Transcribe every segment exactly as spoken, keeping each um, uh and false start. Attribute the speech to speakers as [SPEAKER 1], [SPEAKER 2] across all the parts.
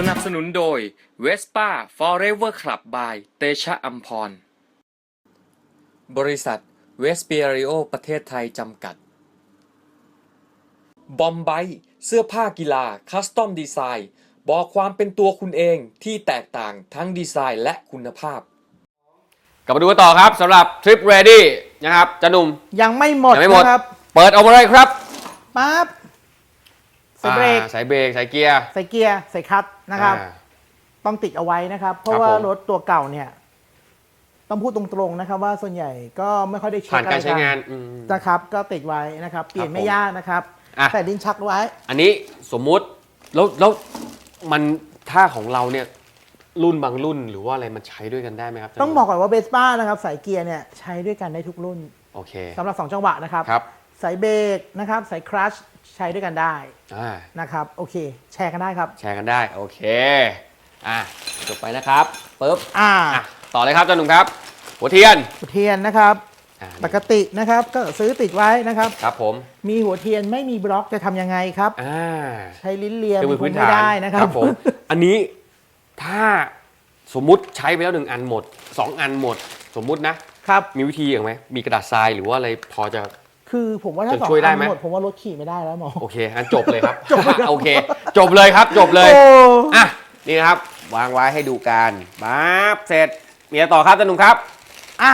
[SPEAKER 1] นับสนุนโดย Vespa Forever Club by เตชะอัมพรบริษัทเวสเปียริโอประเทศไทยจำกัดบอมไบเสื้อผ้ากีฬาคัสตอมดีไซน์บอกความเป็นตัวคุณเองที่แตกต่างทั้งดีไซน์และคุณภาพ
[SPEAKER 2] กลับมาดูกันต่อครับสำหรับทริป ready นะครับจันหนุ่ม
[SPEAKER 3] ยังไม่หมด
[SPEAKER 2] ยังไม่หมด
[SPEAKER 3] นะครับ
[SPEAKER 2] เปิดออกมาเลยครับ
[SPEAKER 3] ปั๊บใส่เบรก
[SPEAKER 2] ใส่เบรกใส่เกียร์
[SPEAKER 3] ใส่เกียร์ใส่คลัตช์นะครับต้องติดเอาไว้นะครับเพราะว่ารถตัวเก่าเนี่ยต้องพูดตรงๆนะครับว่าส่วนใหญ่ก็ไม่ค่อยได้เช็ค
[SPEAKER 2] ผ่านการใช้งาน
[SPEAKER 3] นะครับก็ติดไว้นะครับเปลี่ยนไม่ยากนะครับใส่ลิ้นชักไว้
[SPEAKER 2] อันนี้สมมุติแล้วแล้วมันถ้าของเราเนี่ยรุ่นบางรุ่นหรือว่าอะไรมันใช้ด้วยกันได้ไหมครับ
[SPEAKER 3] ต้องบอกก่อนว่าเบสป้านะครับสายเกียร์เนี่ยใช้ด้วยกันได้ทุกรุ่น
[SPEAKER 2] โอเค
[SPEAKER 3] สำหรับสองจังหวะนะครับสายเบรกนะครับสายคลัตช์ใช้ด้วยกันได้นะครับโอเคแชร์กันได้ครับ
[SPEAKER 2] แชร์กันได้โอเคอ่ะจบไปนะครับปึ๊บ
[SPEAKER 3] อ่า
[SPEAKER 2] ต่อเลยครับจันหนุ่มครับหัวเทียน
[SPEAKER 3] หัวเทียนนะครับปกตินะครับก็ซื้อติดไว้นะครับ
[SPEAKER 2] ครับผม
[SPEAKER 3] มีหัวเทียนไม่มีบล็อกจะทำยังไงครับใช้ลิ้นเลียมคงไม่ได้นะครั
[SPEAKER 2] บผมอันนี้ถ้าสมมุติใช้ไปแล้วหนึ่งอันหมดสองอันหมดสมมุตินะครับมีวิธีอย่างไหมมีกระดาษทรายหรือว่าอะไรพอจะ
[SPEAKER 3] คือผมว่าถ้าสองอันหมดผมว่ารถขี่ไม่ได้แล้วหมอ
[SPEAKER 2] โอเคงั้นจบเลยครับโอเคจบเลยครับจบเลยอ่ะนี่นะครับวางไว้ให้ดูกันปั๊บเสร็จมีอะไรต่อครับจันหนุ่มครับ
[SPEAKER 3] อ่ะ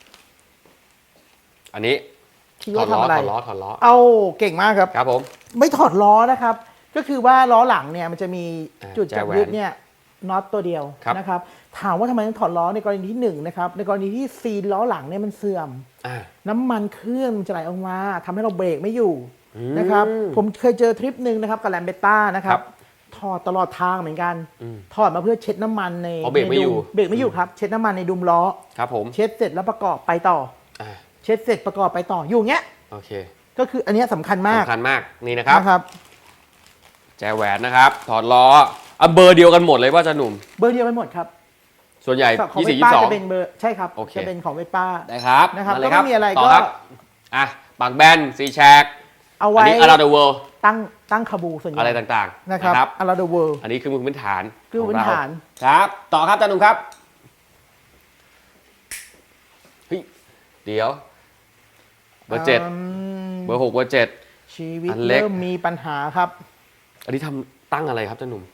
[SPEAKER 2] อันนี้ถอดล้อถอดล้อถอดล้อ
[SPEAKER 3] เอาเก่งมากครับ
[SPEAKER 2] ครับผม
[SPEAKER 3] ไม่ถอดล้อนะครับก็คือว่าล้อหลังเนี่ยมันจะมีจุดจับยึดเนี่ยน็อตตัวเดียวนะครับถามว่าทำไมต้องถอดล้อในกรณีที่หนึ่งนะครับในกรณีที่ซีนล้อหลังเนี่ยมันเสื่อมน้ำมันเครื่องมันจะไหลออกมาทำให้เราเบรกไม่อยู่นะครับผมเคยเจอทริปหนึ่งนะครับกับแลมเบต้านะครับถอดตลอดทางเหมือนกันถอดมาเพื่อเช็ดน้ำมันใน
[SPEAKER 2] เบรกไม่อยู่
[SPEAKER 3] เบรกไม่อยู่ครับเช็ดน้ำมันในดุมล้อ
[SPEAKER 2] ครับผม
[SPEAKER 3] เช็ดเสร็จแล้วประกอบไปต่อเช็ดเสร็จประกอบไปต่ออยู่เงี้ย
[SPEAKER 2] โอเค
[SPEAKER 3] ก็คืออันนี้สำคัญมาก
[SPEAKER 2] สำคัญมากนี่นะครับแจแหวนนะครับถอดล้ออ่ะเบอร์เดียวกันหมดเลยว่าจะหนุ่ม
[SPEAKER 3] เบอร์เดียวกันหมดครับ
[SPEAKER 2] ส่วนใหญ่
[SPEAKER 3] ยี่สิบ ยี่สิบสองจะเป็นเบอร์ใช่ครับจะเป็นของเวป้า
[SPEAKER 2] ได้ครับ
[SPEAKER 3] นะครับก็ไม่มีอะไรก็
[SPEAKER 2] อ่ะปากแบนซีแชก
[SPEAKER 3] เอาไว้
[SPEAKER 2] อันนี้ around the world
[SPEAKER 3] ตั้งตั้งคาบูส่วนใหญ่
[SPEAKER 2] อะไรต่างๆ
[SPEAKER 3] นะครับ around the world
[SPEAKER 2] อันนี้คือมือพื้นฐาน
[SPEAKER 3] คือพื้นฐาน
[SPEAKER 2] ครับต่อครับจันหนุ่มครับเฮ้ยเดี๋ยวเบอร์เจ็ดเบอร์หกเบอร์เจ็ด
[SPEAKER 3] ชีวิตเริ่มมีปัญหาครับ
[SPEAKER 2] อันนี้ทำตั้งอะไรครับจันหนุ่ม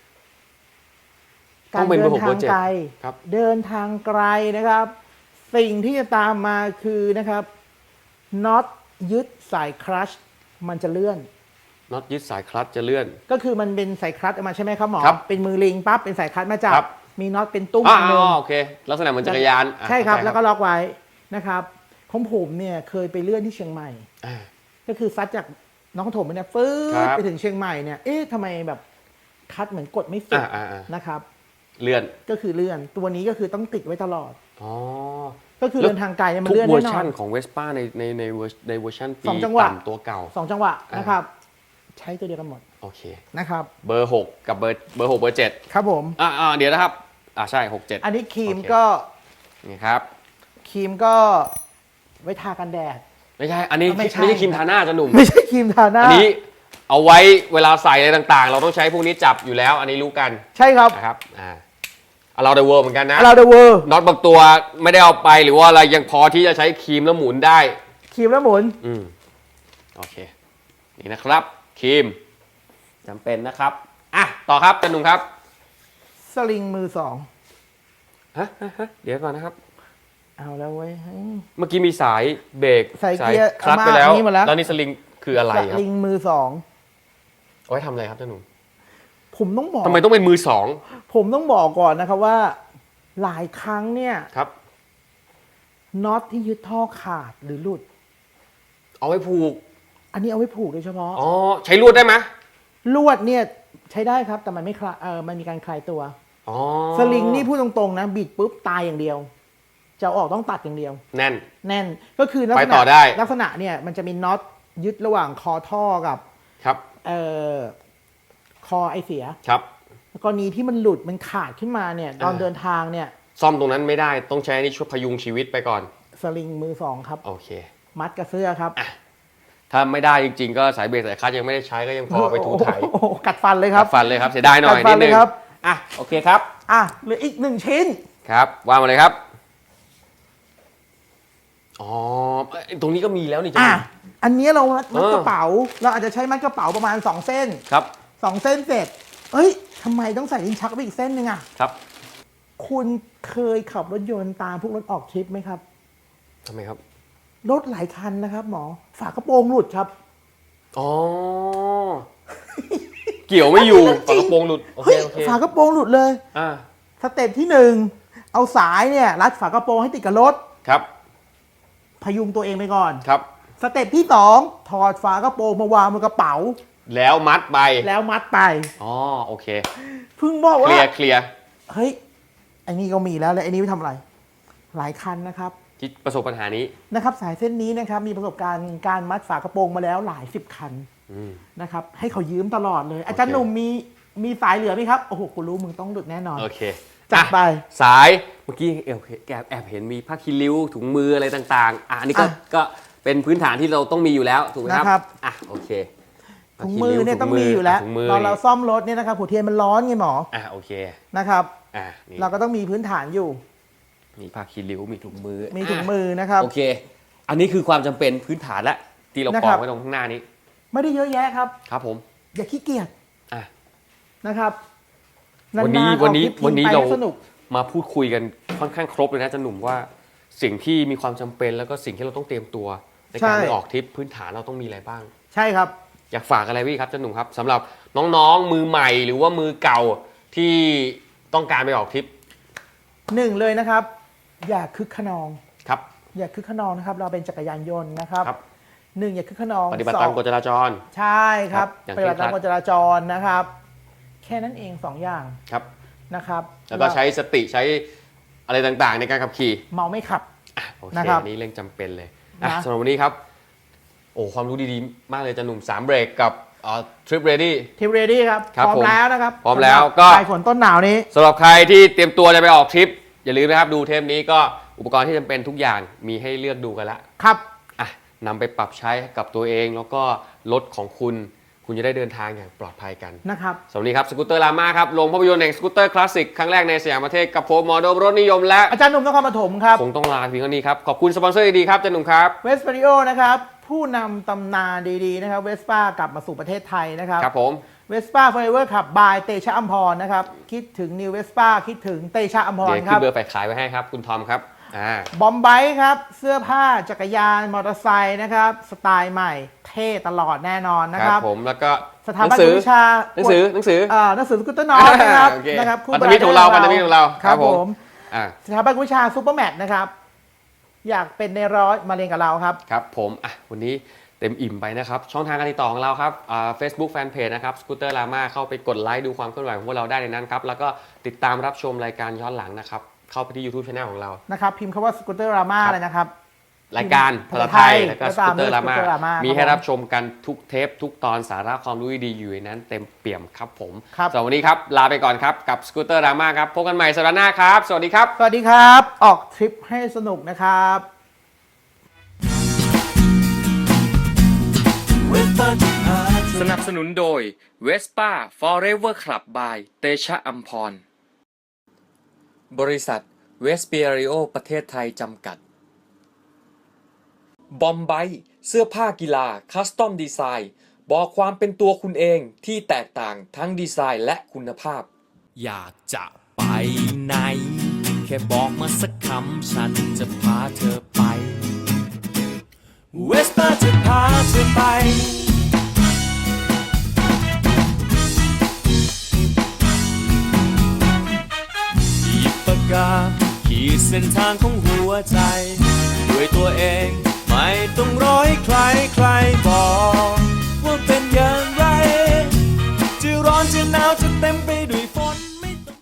[SPEAKER 3] การเดินทางไกลเดินทางไกลนะครับสิ่งที่จะตามมาคือนะครับน็อตยึดสายคลัตช์มันจะเลื่อน
[SPEAKER 2] น็อตยึดสายคลัตช์จะเลื่อน
[SPEAKER 3] ก็คือมันเป็นสายคลัตช์ออกมาใช่ไหมครับหมอเป็นมือลิงปั๊บเป็นสายคลัตช์มาจับมีน็อตเป็นตุ้ม
[SPEAKER 2] นึงโอเคลักษณะเหมือนจักรยาน
[SPEAKER 3] ใช่ครับแล้วก็ล็อกไว้นะครับของผมเนี่ยเคยไปเลื่อนที่เชียงใหม่ก็คือซัดจากน้องถมไปเนี่ยฟื้นไปถึงเชียงใหม่เนี่ยเอ๊ะทำไมแบบคัดเหมือนกดไม่สุดนะครับ
[SPEAKER 2] เลื่อน
[SPEAKER 3] ก็คือเลื่อนตัวนี้ก็คือต้องติดไว้ตลอดอ๋อก็คือเดินทางไกลเนี่ยมันเลื่อนแน่นอน
[SPEAKER 2] ทุกเวอร์ชันของเวสป้าในในในในเวอร์ชันปีต่ำตัวเก่า
[SPEAKER 3] สองจังหวะนะครับใช้ตัวเดียวกันหมด
[SPEAKER 2] โอเค
[SPEAKER 3] นะครับ
[SPEAKER 2] เบอร์หกกับเบอร์เบอร์หกเบอร์เจ็ด
[SPEAKER 3] ครับผม
[SPEAKER 2] อ่าอ่าเดี๋ยวนะครับอ่าใช่หกเจ็ด
[SPEAKER 3] อันนี้ครีมก็
[SPEAKER 2] นี่ครับ
[SPEAKER 3] ครีมก็ไว้ทากันแดด
[SPEAKER 2] ไม่ใช่อันนี้ไม่ใช่ครีมทาหน้าจะหนุ่ม
[SPEAKER 3] ไม่ใช่ครีมทาหน้า
[SPEAKER 2] อันนี้เอาไว้เวลาใส่อะไรต่างๆเราต้องใช้พวกนี้จับอยู่แล้วอันนี้รู้กัน
[SPEAKER 3] ใช่ครับ
[SPEAKER 2] นะครับอ่าเราเดอะเวิร์เหมือนกันนะ
[SPEAKER 3] เราเดอะเวิร์
[SPEAKER 2] น็อตบางตัวไม่ได้เอาไปหรือว่าอะไรยังพอที่จะใช้ครีมแล้วหมุนได้
[SPEAKER 3] ครีมแล้วหมุน
[SPEAKER 2] อืมโอเคนี่นะครับครีมจำเป็นนะครับอ่ะต่อครับจันหนุ่มครับ
[SPEAKER 3] สลิงมือสอง
[SPEAKER 2] ฮะฮะเดี๋ยวก่อนนะครับ
[SPEAKER 3] เอาแล้วเว้ย
[SPEAKER 2] เมื่อกี้มีสายเบรก
[SPEAKER 3] สายเกียร์
[SPEAKER 2] คลัตช์ไปแล้วแล้วนี่สลิงคืออะไรครับ
[SPEAKER 3] สลิงมือสอง
[SPEAKER 2] เอาไว้ทำอะไรครับจันหนุ่ม
[SPEAKER 3] ผมต้องบอก
[SPEAKER 2] ทำไมต้องเป็นมือสอง
[SPEAKER 3] ผมต้องบอกก่อนนะครับว่าหลายครั้งเนี่ย
[SPEAKER 2] ครับ
[SPEAKER 3] น็อตที่ยึดท่อขาดหรือหลุด
[SPEAKER 2] เอาไว้ผูก
[SPEAKER 3] อันนี้เอาไว้ผูกโดยเฉพาะ
[SPEAKER 2] อ๋อใช้ลวดได้ไหม
[SPEAKER 3] ลวดเนี่ยใช้ได้ครับแต่มันไม่คลายเออมันมีการคลายตัว
[SPEAKER 2] อ๋อ
[SPEAKER 3] สลิงนี่พูดตรงๆนะบิดปุ๊บตายอย่างเดียวจะออกต้องตัดอย่างเดียว
[SPEAKER 2] แน่น
[SPEAKER 3] แน่นก็คือลักษณะลักษณะเนี่ยมันจะมีน็อตยึดระหว่างคอท่อกับ
[SPEAKER 2] ครับ
[SPEAKER 3] เอ่อคอไอเสีย
[SPEAKER 2] ครับ
[SPEAKER 3] กรณีที่มันหลุดมันขาดขึ้นมาเนี่ยตอนเดินทางเนี่ย
[SPEAKER 2] ซ่อมตรงนั้นไม่ได้ต้องใช้นี่ช่วยพยุงชีวิตไปก่อน
[SPEAKER 3] สลิงมือสองครับ
[SPEAKER 2] โอเค
[SPEAKER 3] มัดกับเสื้อครับ
[SPEAKER 2] ถ้าไม่ได้จริงๆก็สายเบรกสายคลัตช์ยังไม่ได้ใช้ก็ยังพอไปถูถ่าย
[SPEAKER 3] โอ้โหกัดฟันเลยครับ
[SPEAKER 2] กัดฟันเลยครับเสียดายหน่อย
[SPEAKER 3] กัดฟั
[SPEAKER 2] นิ
[SPEAKER 3] น
[SPEAKER 2] ด
[SPEAKER 3] เล
[SPEAKER 2] นึ
[SPEAKER 3] ย
[SPEAKER 2] ง
[SPEAKER 3] ครับ
[SPEAKER 2] อ่ะโอเคครับ
[SPEAKER 3] อ่ะเหลืออีกหนึ่งชิ้น
[SPEAKER 2] ครับว่ามาเลยครับอ๋อตรงนี้ก็มีแล้วนี่จ้ะ
[SPEAKER 3] อ่ะอันนี้เรามัด
[SPEAKER 2] เออ
[SPEAKER 3] กระเป๋า เราอาจจะใช้มัดกระเป๋าประมาณสองเส้น
[SPEAKER 2] ครับ
[SPEAKER 3] สองเส้นเสร็จเอ้ยทำไมต้องใส่ลิ้นชักไปอีกเส้นหนึ่งอ่ะ
[SPEAKER 2] ครับ
[SPEAKER 3] คุณเคยขับรถยนต์ตามพวกรถออกทริปไหมครับ
[SPEAKER 2] ทำไมครับ
[SPEAKER 3] รถหลายคันนะครับ หมอฝากระโปรงหลุดครับ
[SPEAKER 2] อ๋อเกี่ยวไม่อยู่
[SPEAKER 3] จริ
[SPEAKER 2] ฝาง กระโปรงหลุดโอเค
[SPEAKER 3] เฮ้ย
[SPEAKER 2] โอเค
[SPEAKER 3] ฝากระโปรงหลุดเลย
[SPEAKER 2] อ่า
[SPEAKER 3] สเต็ปที่หนึ่งเอาสายเนี่ยรัดฝากระโปรงให้ติดกับรถ
[SPEAKER 2] ครับ
[SPEAKER 3] พยุงตัวเองไปก่อน
[SPEAKER 2] ครับ
[SPEAKER 3] สเต็ปที่สองถอดฝากระโปรงมาวางบนกระเป๋า
[SPEAKER 2] แล้วมัดไป
[SPEAKER 3] แล้วมัดไป
[SPEAKER 2] อ๋อโอเค
[SPEAKER 3] เพิ่งบอก
[SPEAKER 2] เค
[SPEAKER 3] ว่า
[SPEAKER 2] ลียร์เคลียร์
[SPEAKER 3] เฮ้ยไอ้นี่ก็มีแล้วแล้วไอ้นี่ไปทำอะไร หลายคันนะครับ
[SPEAKER 2] ที่ประสบปัญหานี้
[SPEAKER 3] นะครับ สายเส้นนี้นะครับมีประสบการณ์การมัดฝากระโปรงมาแล้วหลายสิบคัน
[SPEAKER 2] อืม
[SPEAKER 3] นะครับให้เขายืมตลอดเลย อาจารย์หนุ่มมีมีสายเหลือไหมครับโอ้โหกูรู้มึงต้องหลุดแน่นอน
[SPEAKER 2] โอเค
[SPEAKER 3] จัดไป
[SPEAKER 2] อ่ะสายเมื่อกี้แอบแอบแอบเห็นมีผ้าคีริ้วถุงมืออะไรต่างๆอ่ะอันนี้ก็
[SPEAKER 3] อ่ะ
[SPEAKER 2] ก็เป็นพื้นฐานที่เราต้องมีอยู่แล้วถูกไหมครับ
[SPEAKER 3] นะครับ
[SPEAKER 2] อ่ะโอเค
[SPEAKER 3] ถุงมือเนี่ยต้องมีอยู่แล้ว
[SPEAKER 2] ถุงมือ
[SPEAKER 3] ตอนเราซ่อมรถเนี่ยนะครับหัวเทียนมันร้อนไงหมอ
[SPEAKER 2] อ่ะโอเค
[SPEAKER 3] นะครับ
[SPEAKER 2] อ่ะนี่
[SPEAKER 3] เราก็ต้องมีพื้นฐานอยู่
[SPEAKER 2] มีผ้าคีริ้วมีถุงมือ
[SPEAKER 3] มีถุง
[SPEAKER 2] ะ
[SPEAKER 3] มือนะครับ
[SPEAKER 2] โอเค อันนี้คือความจำเป็นพื้นฐานละที่เรา
[SPEAKER 3] นะ
[SPEAKER 2] ก
[SPEAKER 3] ค
[SPEAKER 2] อ
[SPEAKER 3] รั
[SPEAKER 2] ง
[SPEAKER 3] บ
[SPEAKER 2] ไว้ตรงข้างหน้านี้
[SPEAKER 3] ไม่ได้เยอะแยะครับ
[SPEAKER 2] ครับผม
[SPEAKER 3] อย่าขี้เกียจ
[SPEAKER 2] อ่ะ
[SPEAKER 3] นะครับ
[SPEAKER 2] วันนี้
[SPEAKER 3] าๆ
[SPEAKER 2] วันนี้
[SPEAKER 3] ออกทริป
[SPEAKER 2] วันนี้
[SPEAKER 3] ไป
[SPEAKER 2] เรา
[SPEAKER 3] สนุก
[SPEAKER 2] มาพูดคุยกันค่อนข้างครบเลยนะอาจารย์หนุ่มว่าสิ่งที่มีความจำเป็นแล้วก็สิ่งที่เราต้องเตรียมตัวในการ
[SPEAKER 3] ใช่
[SPEAKER 2] ไปออกทริปพื้นฐานเราต้องมีอะไรบ้าง
[SPEAKER 3] ใช่ครับ
[SPEAKER 2] อยากฝากอะไรพี่ครับอาจารย์หนุ่มครับสำหรับน้องๆมือใหม่หรือว่ามือเก่าที่ต้องการไปออกทริป
[SPEAKER 3] หนึ่งเลยนะครับ อย่าคึกขนอง
[SPEAKER 2] ครับ
[SPEAKER 3] อย่าคึกขนองนะครับ เราเป็นจักรยานยนต์นะครับ
[SPEAKER 2] ครับ
[SPEAKER 3] หนึ่งอย่าคึกขนอง
[SPEAKER 2] ปฏิบัติ
[SPEAKER 3] สอ
[SPEAKER 2] ตาม
[SPEAKER 3] ง
[SPEAKER 2] กฎจราจร
[SPEAKER 3] ใช่ครับ
[SPEAKER 2] ครับอย่าง
[SPEAKER 3] ปฏิบัติตาม
[SPEAKER 2] เคร่งครัด
[SPEAKER 3] กฎจราจรนะครับ แค่นั้นเองสองอย่าง
[SPEAKER 2] ครับ
[SPEAKER 3] นะครับ
[SPEAKER 2] แล้วก็ใช้สติใช้อะไรต่างๆ ในการขับขี่
[SPEAKER 3] เมาไม่ขับ
[SPEAKER 2] อ่ะโอเค
[SPEAKER 3] นะครับ
[SPEAKER 2] อันนี้เรื่องจำเป็นเลยอ่ะ
[SPEAKER 3] นะ
[SPEAKER 2] สำหรับวันนี้ครับโอ้ความรู้ดีๆมากเลยอาจารย์หนุ่มสามเบรกกับทริปเรดี้
[SPEAKER 3] ทีมเรดี้ครับ
[SPEAKER 2] ครับ
[SPEAKER 3] พร้อม
[SPEAKER 2] ผม
[SPEAKER 3] แล้วนะครับ
[SPEAKER 2] พร้อมแล้ว
[SPEAKER 3] สำหบ
[SPEAKER 2] ก็
[SPEAKER 3] ปลายฝนต้นหนาวนี้
[SPEAKER 2] สำหรับใครที่เตรียมตัวจะไปออกทริป อย่าลืมนะครับดูเทปนี้ก็อุปกรณ์ที่จำเป็นทุกอย่างมีให้เลือกดูกันละ
[SPEAKER 3] ครับ
[SPEAKER 2] อ่ะนำไปปรับใช้กับตัวเองแล้วก็รถของคุณ คุณจะได้เดินทางอย่างปลอดภัยกัน
[SPEAKER 3] นะครับ
[SPEAKER 2] สวัสดีครับสกูตเตอร์ลาม่าครับลงภาพยนตร์แห่งสกูตเตอร์คลาสสิกครั้งแรกในสยามประเทศกับผมหมอโดมรถนิยมและ
[SPEAKER 3] อาจารย์หนุ่มนครปฐมครับ
[SPEAKER 2] คงต้องลาเพียงเท่านี้ครับขอบคุณสปอนเซอร์ดีๆครับอาจารย์หนุ่มครับ
[SPEAKER 3] เวสปาริโอนะครับ ผู้นำตำนานดีๆนะครับเวสป้ากลับมาสู่ประเทศไทยนะครับ
[SPEAKER 2] ครับผม
[SPEAKER 3] เวสป้า Forever ขับบายเตชะอัมพรนะครับ คิดถึงนิวเวสป้าคิดถึงเตชะอัมพร
[SPEAKER 2] เดี๋ยว
[SPEAKER 3] ค
[SPEAKER 2] ขึ้
[SPEAKER 3] รั
[SPEAKER 2] น
[SPEAKER 3] บ
[SPEAKER 2] เบอร์แฝกขายไว้ให้ครับคุณทอมครับอ่า
[SPEAKER 3] บอมไบค์ครับ เสื้อผ้าจักรยานมอเตอร์ไซค์นะครับ สไตล์ใหม่ เท่ตลอดแน่นอนนะ
[SPEAKER 2] ค
[SPEAKER 3] ค
[SPEAKER 2] รั
[SPEAKER 3] รั
[SPEAKER 2] บบ ผมแล้วก็
[SPEAKER 3] สถาบัน
[SPEAKER 2] หนังสือ
[SPEAKER 3] วิชา
[SPEAKER 2] หนังสือหนังสือ
[SPEAKER 3] อ่าหนังสือสกูตเตอร์น้อยนะครับ
[SPEAKER 2] โอเค
[SPEAKER 3] นะครับ
[SPEAKER 2] พันธมิตรของเราพันธมิตรของเรา
[SPEAKER 3] ครับ
[SPEAKER 2] ครับ
[SPEAKER 3] ผ
[SPEAKER 2] ผม
[SPEAKER 3] ม
[SPEAKER 2] อ่า
[SPEAKER 3] สถาบันวิชาซูเปอร์แมทนะครับ อยากเป็นในร้อยมาเรียนกับเราครับ
[SPEAKER 2] ครับผมอ่ะวันนี้เต็มอิ่มไปนะครับช่องทางการติดต่อของเราครับอ่า Facebook Fanpage นะครับสกูตเตอร์ลาม่าเข้าไปกดไลค์ดูความเคลื่อนไหวของพวกเราได้ในนั้นครับแล้วก็ติดตามรับชมรายการย้อนหลังนะครับเข้าไปที่ YouTube Channel ของเรา
[SPEAKER 3] นะครับ พิมพ์คำว่าสกูตเตอร์รามาเลยนะครับ
[SPEAKER 2] รายการภาษาไทยแล้วก็สกูตเตอร์ลาม่า
[SPEAKER 3] Scooter Lama
[SPEAKER 2] มีให้
[SPEAKER 3] ครับ
[SPEAKER 2] รับชมกันทุกเทปทุกตอนสาระความรู้ดีๆอยู่ในนั้นเต็มเปี่ยมครับผม
[SPEAKER 3] ครับ
[SPEAKER 2] สำหรับวันนี้ครับลาไปก่อนครับกับสกูตเตอร์ลาม่าครับพบกันใหม่สัปดาห์หน้าครับสวัสดีครับ
[SPEAKER 3] สวัสดีครับ ออกทริปให้สนุกนะครับ
[SPEAKER 1] สนับสนุนโดย Vespa Forever Club by เตชะอัมพร บริษัทเวสเปียริโอประเทศไทยจำกัด บอมไบเสื้อผ้ากีฬาคัสตอมดีไซน์บอกความเป็นตัวคุณเองที่แตกต่างทั้งดีไซน์และคุณภาพ
[SPEAKER 4] อยากจะไปไหน แค่บอกมาสักคำฉันจะพาเธอไป เวสป้าจะพาเธอไปหยิบปากกาขีดเส้นทางของหัวใจ ด้วยตัวเอง